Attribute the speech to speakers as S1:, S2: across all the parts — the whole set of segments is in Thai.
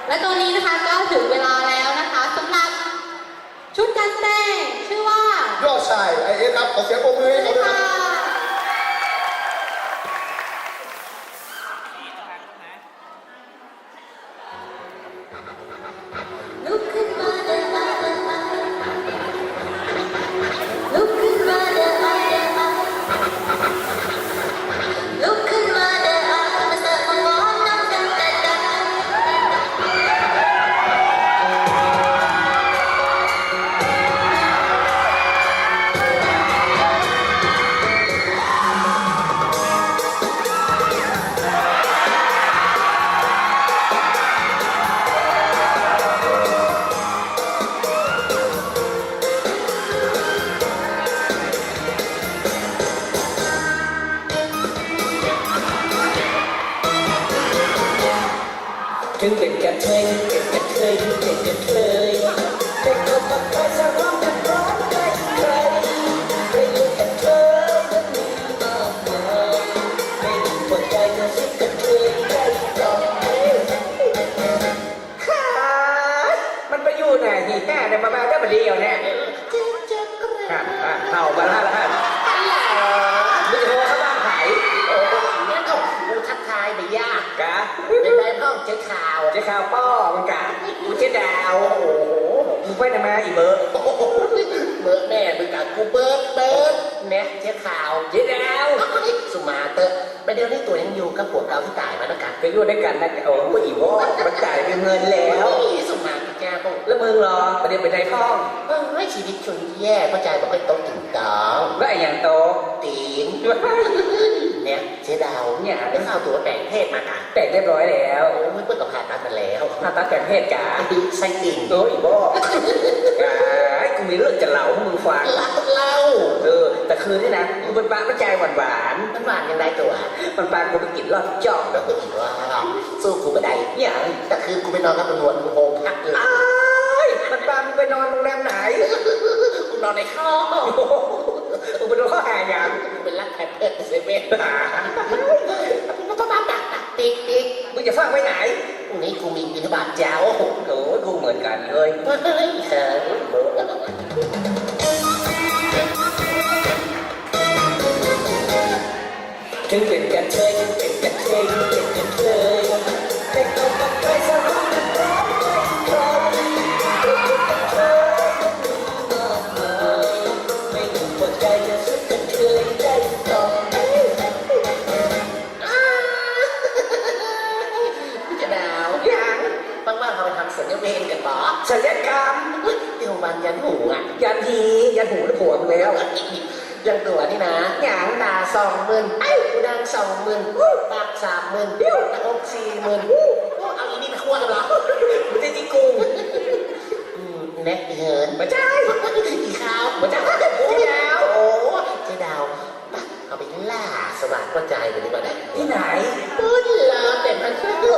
S1: และตอนนี้นะคะก็ถึงเวลาแล้วนะคะสำหรับชุดการแสดงชื่อว่าย
S2: อดชายไอเอสครับขอเสียงปรบมือให้เขาด้วยครับ
S1: ลุกขึ้นมาเดินมาเดินมาลุกขึ้นมาเดินมาเดินมาลุกขึ้นมาเดินมามาเสิร์ฟของหวานน้ำกันแต่ดัง
S3: ถึงเป็นกระเทยเป็นกระเทยถึงเป็นกระเทยแต่ก็ต้องคอยสร้างกันร้อนใครใครไม่รู้กระเทยมันมีมากมายไม่รู้หัวใจจะสิกระเทยได้ต่อมันไปอยู่ไหนที่แม่เนี่ยมาได้มาเดียวเนี่ยครับเห่ามาแล้วฮะมึงจะโทรเข้าบ้านไผ่โอ้เนี่ยก็กูทักทายไม่ยากกะเป็นไรพ่อเจ๊ข่าวป้อมันกะกูเจ๊ดาวโอ้โหมึงไปไหนมาอีเบิร์ดเบิร์ดแม่มึงกะกูเบิร์ดเนี่ยเจ๊ข่าวเจ๊ดาวสุมาเตอร์ไปเดี๋ยวนี้ตัวยังอยู่กับผัวเก่าที่ตายมาแล้วกันไปอยู่ด้วยกันนะโอ้โหอีวอมันจ่ายเป็นเงินแล้วสุมาแกปุ๊บแล้วมึงรอประเดี๋ยวไปในท้องไม่ชีวิตชนแย่เพราะใจบอกให้โตถึงตองแล้วไอ้อย่างโตตีนเนี่ยเจ๊ดาวเนี่ยได้เข้าตัวแต่งเพศมากะแต่งเรียบร้อยแล้วโอ้ยเพิ่งกับผ่าตัดมาแล้วผ่าตัดแต่งเพศกะไส้ติ่งโอ้ยบอกไอ้กูมีเรื่องจะเล่าให้มึงฟังเล่าแต่คืนนี่นะกูเป็นปลาไม่ใจหวานยังไงตัวมันปลากูไปกินรอดจ่องแล้วก็อีกว่าสู้กูไม่ได้เนี่ยแต่คืนกูไปนอนกับตำรวจกูโฮมพักเลยมันปลามึงไปนอนโรงแรมไหนกูนอนในห้องกูไปนอนข้อหาอย่างกูเป็นรักแพทย์เซเว่นมันก็มาตักติ๊กมึงจะฟังไว้ไหนพรุ่งนี้กูมีบิณฑบาตเจ้าโอ้โหกูเหมือนกันเลยถึงเป็นกระเทยเป็นกระเทยเป็นกระเทยแต่ก็ต้องไปสร้างกันร้อนใครเป็นกระเทยมันมีมากมายไม่รู้หัวใจจะสุดกระเทยได้ต่อพี่จะดาวยังบ้างๆเขาไปทำศัลยเวชกันบ่ศัลยกรรมที่โรงพยาบาลยันหูอ่ะยันหูแล้วผัวมึงแล้วยังตัวนี่นะอย่างตา20,000กูดัง20,000ปาก30,000หน้าอก40,000เอาอีนี่มาคั่วกันเหรอมันจะจิกูแน็กเหินมาใช่อีขาวมาใช่เจ๊ดาวโอ้เจ๊ดาวเอาไปล่าสว่างกระจายไปดีกว่าได้ที่ไหนพูดลาแต่มัน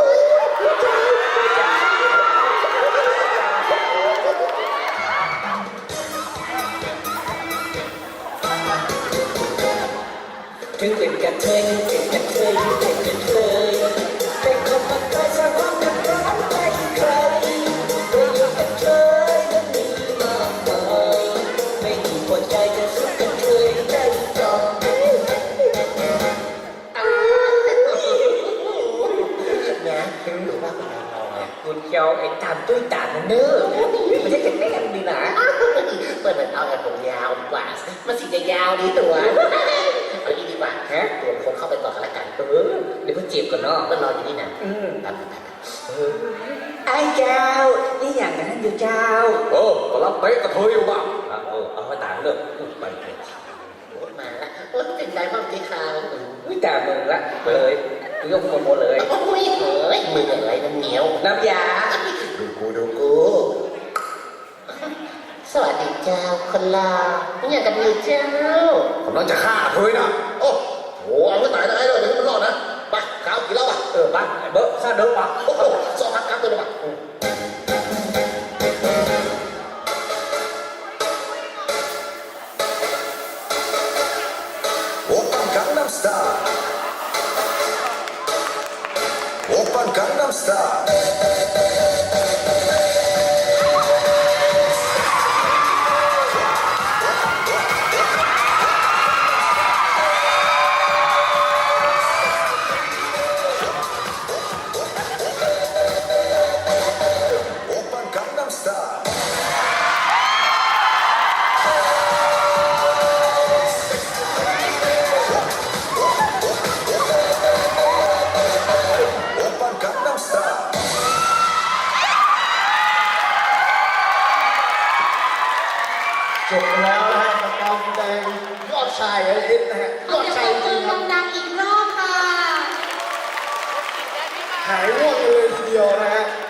S3: ถึงเป็นกระเทยเป็นกระเทยเป็นกระเทยแต่ก็มันไปสร้างความกันร้อนใครไม่รู้กระเทยมันมีมากมายไม่มีหัวใจจะสุดกระเทยได้ต่อนะหรือว่าคุณเจ้าไอ้ตามตุ้ยตามนั่นเนอะมันจะแน่นดีนะเปิดเอาแต่ผมยาวดีกว่ามันสีจะยาวดีตัวเอาดีกว่าฮะตัวคงเข้าไปก่อนกันละกันเดี๋ยวเพิ่งจีบก่อนเนาะก็รออยู่นี่นะไอ้เจ้านี่อย่างนั้นอยู่เจ้า
S2: ก็รับเป๊ะกระเทยอยู่บ้าง
S3: เอาไปต่างเรื่องไป
S2: มาละเป็นใจบ้างที่ข่าว
S3: ไม่ต่างมึงละเลยยกหมดเลย
S2: โอ้ยเฮ้ยมืออะไรมันเหนียว
S3: น้ำยา
S2: ดูกูสวัสดีเจ้าคนลาไม่อยากกันอยู่เจ้ากำลังจะฆ่าเธอนะโอ้โหเอาไว้ตายได้เลยเดี๋ยวมันรอดนะไปข้าวกินแล้วป่ะ
S3: ไปเบิร์ข้าเดินป่ะ
S2: โอ้โหสองพักตัวเลยป่ะ
S4: Gangnam Style
S2: ลิศนะฮะ
S1: ขอเสียงปรบมือดังๆอีกรอบค่ะ
S2: หายง่วงเลยทีเดียวนะฮะ